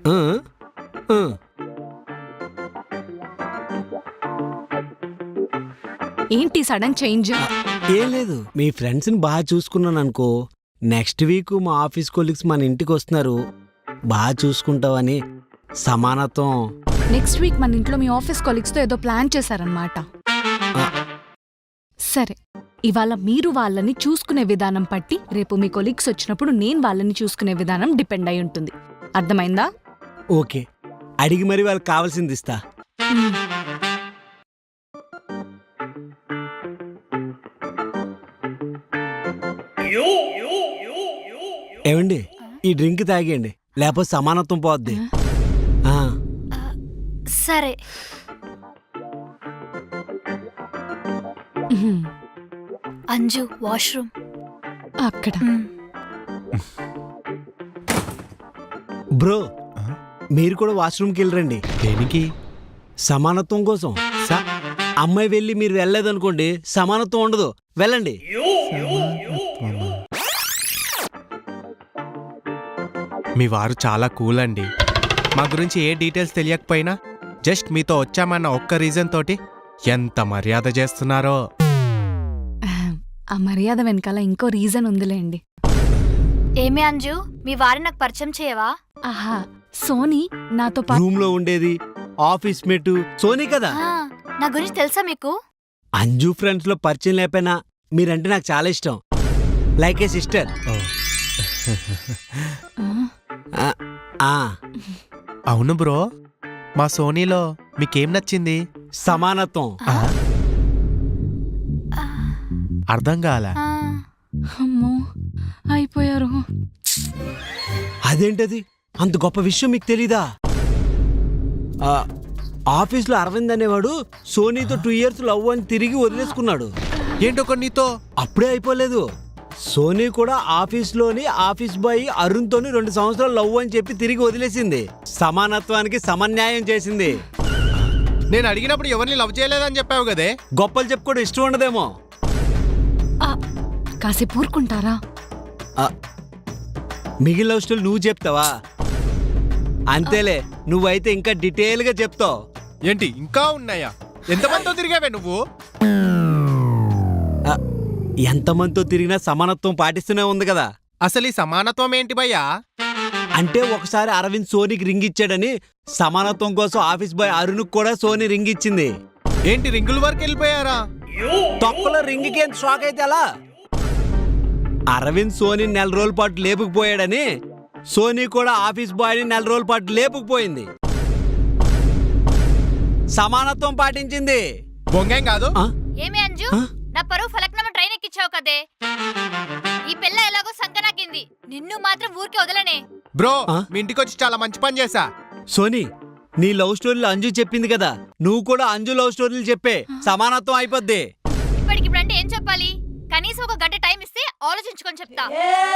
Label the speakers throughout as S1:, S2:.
S1: ఆ, ఆ.
S2: ఏంటి సడన్ చేంజ్?
S1: ఏం లేదు, మీ ఫ్రెండ్స్ని బాగా చూసుకున్నాను అనుకో. నెక్స్ట్ వీక్ మా ఆఫీస్ కొలీగ్స్ మన ఇంటికి వస్తున్నారు, బాగా చూసుకుంటావని సమానత్వం.
S2: నెక్స్ట్ వీక్ మన ఇంట్లో మీ ఆఫీస్ కొలీగ్స్తో ఏదో ప్లాన్ చేశారనమాట. సరే, ఇవాళ మీరు వాళ్ళని చూసుకునే విధానం పట్టి రేపు మీ కొలీగ్స్ వచ్చినప్పుడు నేను వాళ్ళని చూసుకునే విధానం డిపెండ్ అయి ఉంటుంది. అర్థమైందా?
S1: ఓకే, అడిగి మరి వాళ్ళకి కావాల్సింది ఇస్తా. ఏమండి, ఈ డ్రింక్ తాగేయండి, లేకపోతే సమానత్వం పోద్ది. ఆ,
S3: సరే. అంజు వాష్రూమ్
S2: అక్కడ.
S1: బ్రో మీరు కూడా వాష్రూమ్కి వెళ్ళరండి.
S4: దేనికి?
S1: సమానత్వం కోసం. అమ్మాయి వెళ్ళి మీరు వెళ్ళలేదనుకోండి, సమానత్వం ఉండదు. వెళ్ళండి.
S4: మీ వారు చాలా కూల్ అండి. మా గురించి ఏ డీటెయిల్స్ తెలియకపోయినా జస్ట్ మీతో వచ్చామన్న ఒక్క రీజన్ తోటి ఎంత మర్యాద చేస్తున్నారో.
S2: ఆ మర్యాద వెనకాల ఇంకో రీజన్ ఉందిలేండి.
S3: ఏమి అంజు, మీ వారిని నాకు పరిచయం చేయవా?
S2: ఆహా, సోనీ నాతో
S1: రూమ్ లో ఉండేది ఆఫీస్ మేట్ సోనీ కదా.
S3: నా గురించి తెలుసా మీకు?
S1: అంజు ఫ్రెండ్స్ లో పరిచయం లేకపోయినా మీరంటే నాకు చాలా ఇష్టం, లైక్ ఏ సిస్టర్.
S4: అవును బ్రో, మా సోనీలో మీకేం నచ్చింది?
S1: సమానత్వం.
S4: అర్థం కాల.
S2: అమ్మో అయిపోయారు.
S1: అదేంటది, అంత గొప్ప విషయం మీకు తెలీదా? ఆఫీస్లో అరవింద్ అనేవాడు సోనీతో 2 years లవ్ అని తిరిగి వదిలేసుకున్నాడు.
S4: ఏంటో నీతో
S1: అప్పుడే అయిపోలేదు, సోనీ కూడా ఆఫీస్లోని ఆఫీస్ బాయ్ అరుణ్తోని 2 సంవత్సరాలు లవ్ అని చెప్పి తిరిగి వదిలేసింది. సమానత్వానికి సమన్యాయం చేసింది.
S4: నేను అడిగినప్పుడు ఎవరిని లవ్ చేయలేదని చెప్పావు కదే.
S1: గొప్పలు చెప్పుకోవడం ఇష్టం ఉండదేమో.
S2: కాసేపు ఊరుకుంటారా?
S1: మిగిలిన లవ్ స్టోరీ నువ్వు చెప్తావా? అంతేలే, నువ్వైతే ఇంకా డీటెయిల్గా చెప్తావు.
S4: ఏంటి ఇంకా ఉన్నాయా? ఎంతమందితో తిరిగావే నువ్వు?
S1: ఎంతమందితో తిరిగినా సమానత్వం పాటిస్తూనే ఉంది కదా.
S4: అసలు ఈ సమానత్వం ఏంటి భయ్యా?
S1: అంటే ఒకసారి అరవింద్ సోనీకి రింగ్ ఇచ్చాడని సమానత్వం కోసం ఆఫీస్ బాయ్ అరుణ్కి కూడా సోనీ రింగ్ ఇచ్చింది.
S4: ఏంటి రింగుల వరకు వెళ్ళిపోయారా?
S1: తొక్కలో రింగ్కి ఎంత షాక్ అయితే అలా. అరవింద్ సోనీ 4 రోజుల పాటు లేపుకుపోయాడని సోనీ కూడా ఆఫీస్ బాయ్ని 4 రోజుల పాటు లేపుకుపోయింది. సమానత్వం పాటించింది.
S4: బొంగేం కాదు.
S3: ఏమి అంజు, నా పరువు ఫలక్నామా ట్రైన్ ఎక్కించావు కదే. ఈ పిల్ల ఎలాగో సంకనాకింది, నిన్ను మాత్రం ఊరికి వదలనే.
S4: బ్రో, మీ ఇంటికి వచ్చి చాలా మంచి పని చేశా.
S1: సోనీ, నీ లవ్ స్టోరీలు అంజు చెప్పింది కదా, నువ్వు కూడా అంజు లవ్ స్టోరీలు చెప్పే, సమానత్వం అయిపోద్ది.
S3: ఇప్పటికిప్పుడంటే ఏం చెప్పాలి? కనీసం 1 గంట టైం ఇస్తే ఆలోచించుకొని చెప్తా.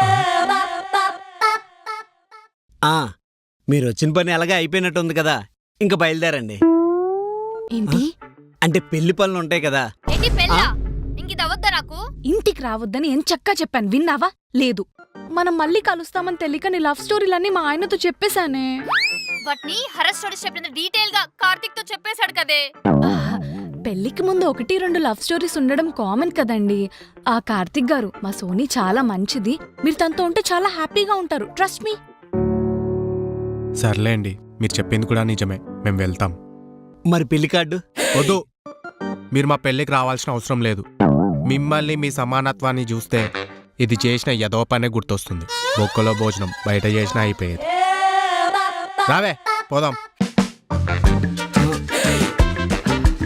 S1: మీరు వచ్చిన పని ఎలాగా అయిపోయినట్టుంది కదా, ఇంకా బయలుదేరండి.
S2: ఏంటి
S1: అంటే పెళ్లి పనులు ఉంటాయి కదా.
S3: ఏంటి పెళ్ళా? ఇంకిది అవద్దా నాకు?
S2: ఇంటికి రావద్దని ఎంచక్కా చెప్పాను, విన్నావా? లేదు, మనం మళ్ళీ కలుస్తామని తెలియక నీ లవ్ స్టోరీలన్నీ మా ఆయనతో చెప్పేశానే.
S3: వాటిని హరస్ స్టోరీస్ చెప్పినంత డీటెయిల్ గా కార్తిక్ తో చెప్పేశాడు కదే.
S2: పెళ్లికి ముందు 1-2 లవ్ స్టోరీస్ ఉండడం కామన్ కదండి. ఆ కార్తిక్ గారు, మా సోనీ చాలా మంచిది, మీరు తనతో ఉంటే చాలా హ్యాపీగా ఉంటారు, ట్రస్ట్ మీ.
S4: సర్లేండి, మీరు చెప్పింది కూడా నిజమే, మేము వెళ్తాం.
S1: మరి పెళ్లి కార్డు
S4: వద్దు, మీరు మా పెళ్ళికి రావాల్సిన అవసరం లేదు. మిమ్మల్ని మీ సమానత్వాన్ని చూస్తే ఇది చేసిన ఏదో పనే గుర్తొస్తుంది. బొక్కలో భోజనం బయట చేసినా అయిపోయేది. రావే పోదాం.